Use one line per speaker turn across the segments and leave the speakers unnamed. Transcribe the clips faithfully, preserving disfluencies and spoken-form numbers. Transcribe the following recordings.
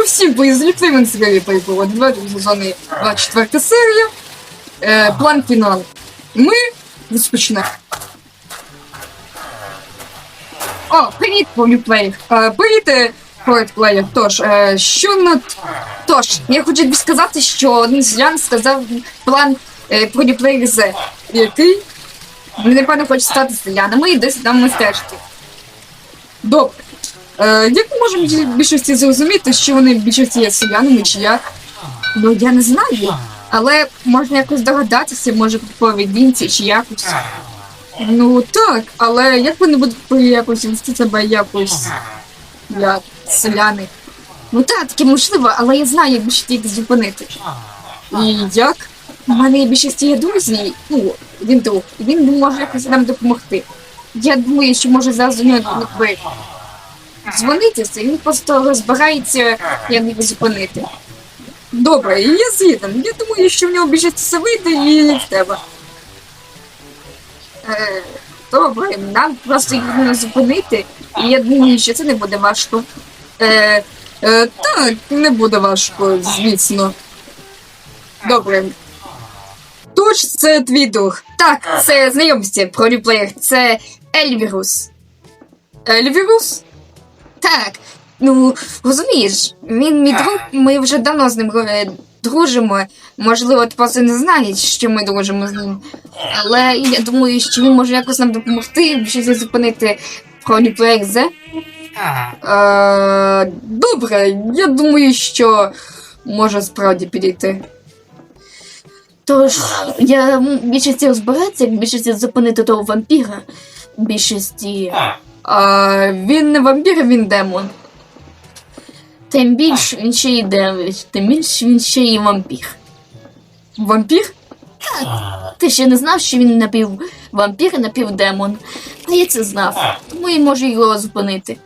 всім поїздили, ми цікаві перепроводи. Давайте сезони двадцять четверта серія. Е, план фінал. Ми розпочнемо. О, привіт, полюплеєр. Е, привіт, полюплеєр. Тож, е, що на... Тож, я хочу тобі сказати, що один селян сказав план е, полюплеєр З, який він, напевно, хоче стати селянами і десь там мистецтві. Добре. Е, як ми можемо в більшості зрозуміти, що вони в більшості є селянами чи як? Ну, я не знаю. Але можна якось догадатися, може по поведінці чи якось. Ну так, але як вони будуть якось вести себе якось як селяни? Ну так, таке можливо, але я знаю, як більше їх зупинити. І як? У мене є більшість є друзі, ну, він друг, і він може якось нам допомогти. Я думаю, що може зараз до нього не дзвонитися, і він просто розбирається, як їх зупинити. Добре, і я згіден. Я думаю, що в нього більшість все вийде і в тебе. Е, добре, нам просто їх не зупинити, і я думаю, що це не буде важко. Е, е, так, не буде важко, звісно. Добре. Тож, це твій друг. Так, це знайомство про реплеєр. Це Ельвірус. Ельвірус? Так. Ну, розумієш, він мій друг, ми вже давно з ним е, дружимо. Можливо, ти просто не знаєш, що ми дружимо з ним. Але я думаю, що він може якось нам допомогти, щось зупинити про реплеєр З. Е, добре, я думаю, що може справді підійти. Тож, я більшості розбиратися, як більшості зупинити того вампіра. Більшості... А, він не вампір, він демон. Тим більше він ще й демон, тим більше він ще й вампір. Вампір? Так. Ти ще не знав, що він напів вампір і напів демон. А я це знав, тому я можу його зупинити.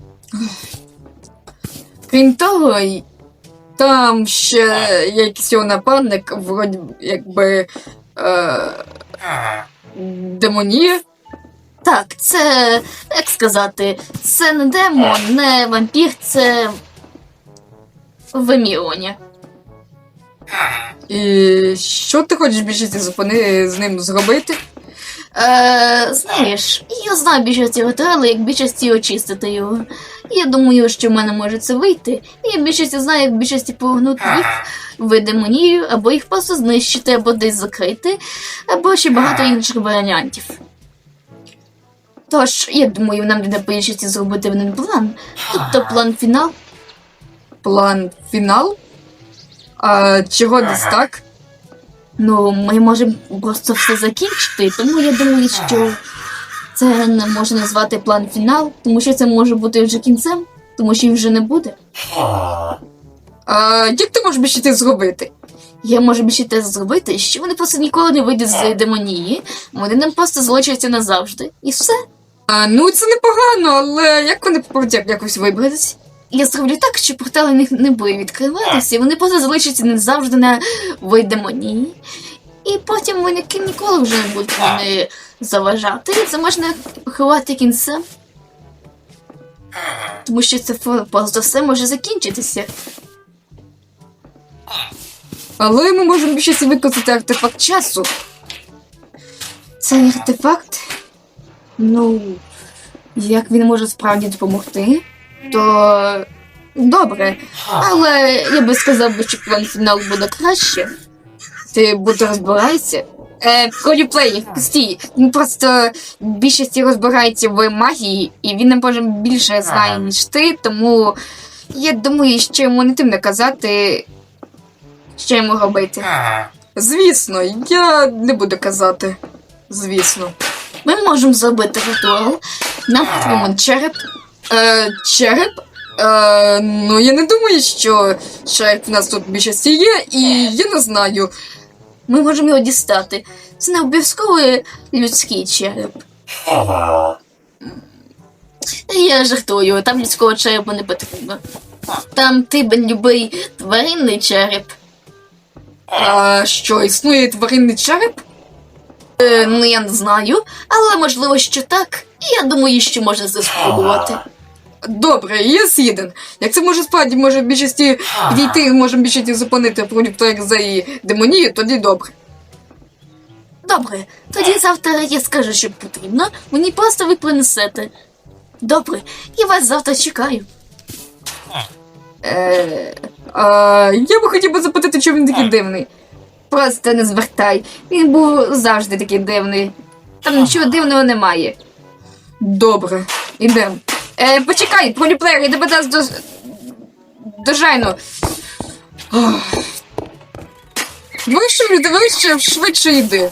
Крім того, там ще є якийсь його нападник, вроді, якби, е, демонія. Так, це, як сказати, це не демон, не вампір, це вимірювання. І що ти хочеш більшості зупини з ним зробити? Е, знаєш, я знаю більшості ритуали, як більшості очистити його. Я думаю, що в мене може це вийти. І я більшості знаю, як більшості повернути їх в демонію, або їх просто знищити, або десь закрити, або ще багато інших варіантів. Тож, я думаю, нам треба більшості зробити один план. Тобто план фінал. План фінал? А чого десь так? Ну, ми можемо просто все закінчити, тому я думаю, що це не можна назвати план фінал, тому що це може бути вже кінцем, тому що їх вже не буде. А як ти можеш більше те зробити? Я можу більше те зробити, що вони просто ніколи не вийдуть з демонії, вони нам просто залишаться назавжди, і все. А, ну, це непогано, але як вони попадуть якось вибратися? Я зроблю так, що портали в них не буде відкриватися, і вони просто залишаться назавжди на демонії. І потім вони ніколи вже не будуть вони заважати. Це можна ховати кінцем. Тому що це просто все може закінчитися. Але ми можемо більше використати артефакт часу. Цей артефакт? Ну, як він може справді допомогти, то добре. Але я би сказав, що план фінал буде краще. Ти буде розбираєшся. Е, Коліплей, стій, він просто більшості розбирається в магії, і він, може, більше знає, ніж ти, тому я думаю, що йому не тим наказати, що йому робити. Звісно, я не буду казати. Звісно. Ми можемо зробити ритуал. Нам потрібен череп. Е, череп? Е, ну, я не думаю, що череп в нас тут більшості є, і я не знаю. Ми можемо його дістати. Це не обов'язково людський череп. Я жартую, там людського черепу не потрібно. Там тибен любий тваринний череп. А що, існує тваринний череп? Е, ну, я не знаю, але можливо, що так. І я думаю, що можна це спробувати. Добре, є Сіден. Як це може справді може в більшості підійти, може в більшості зупинити проєкт за її демонію, тоді добре.
Добре, тоді завтра я скажу, що потрібно, мені просто ви принесете. Добре, я вас завтра чекаю.
Е, а, я би хотів би запитати, чому він такий дивний.
Просто не звертай, він був завжди такий дивний. Там нічого дивного немає.
Добре, ідемо. Е, почекай, поліплеєр, я тебе дасть до... дожайну. Вище, вище, швидше йди.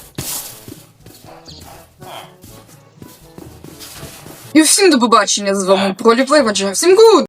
І всім до побачення з вами, Проліплеєр, всім гуд!